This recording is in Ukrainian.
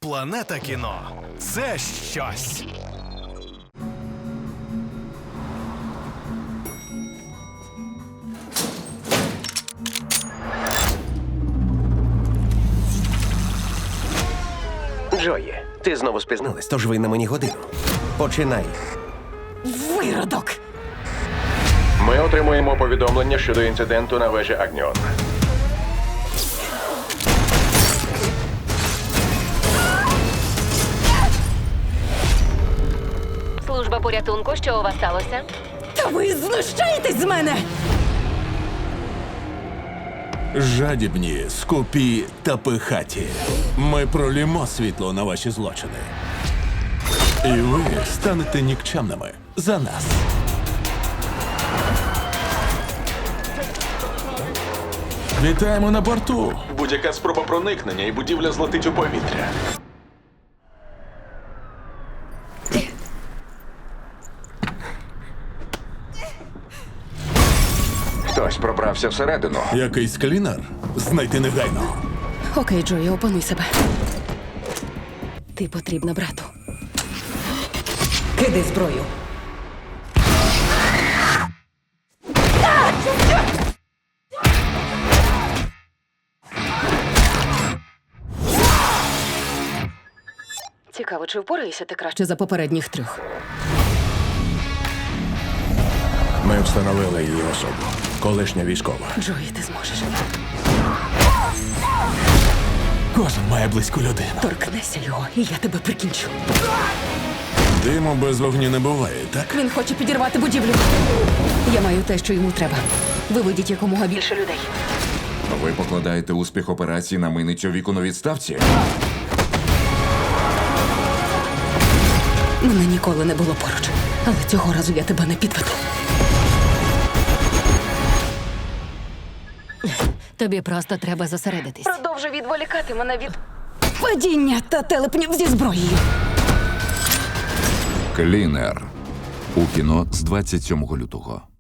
Планета кіно – це щось. Джої, ти знову спізнилась, тож ви на мені годину. Починай. Виродок! Ми отримуємо повідомлення щодо інциденту на вежі Агніон. Служба порятунку, що у вас сталося? Та ви знущаєтесь з мене! Жадібні, скупі та пихаті. Ми пролімо світло на ваші злочини. І ви станете нікчемними за нас. Вітаємо на борту. Будь-яка спроба проникнення і будівля злетить у повітря. Хтось пробрався всередину. Якийсь клінер? Знайти негайно. Окей, Джої, опануй себе. Ти потрібна брату. Кидай зброю. Цікаво, чи впораєшся ти краще за попередніх трьох? Ми встановили її особу. Колишня військова. Джої, ти зможеш. Кожен має близьку людину. Торкнися його, і я тебе прикінчу. Диму без вогню не буває, так? Він хоче підірвати будівлю. Я маю те, що йому треба. Виведіть якомога більше людей. Ви покладаєте успіх операції на миницю віку на відставці? Мене ніколи не було поруч. Але цього разу я тебе не підведу. Тобі просто треба зосередитись. Продовжуй відволікати мене від падіння та телепнів зі зброєю. Клінер. У кіно з 27 лютого.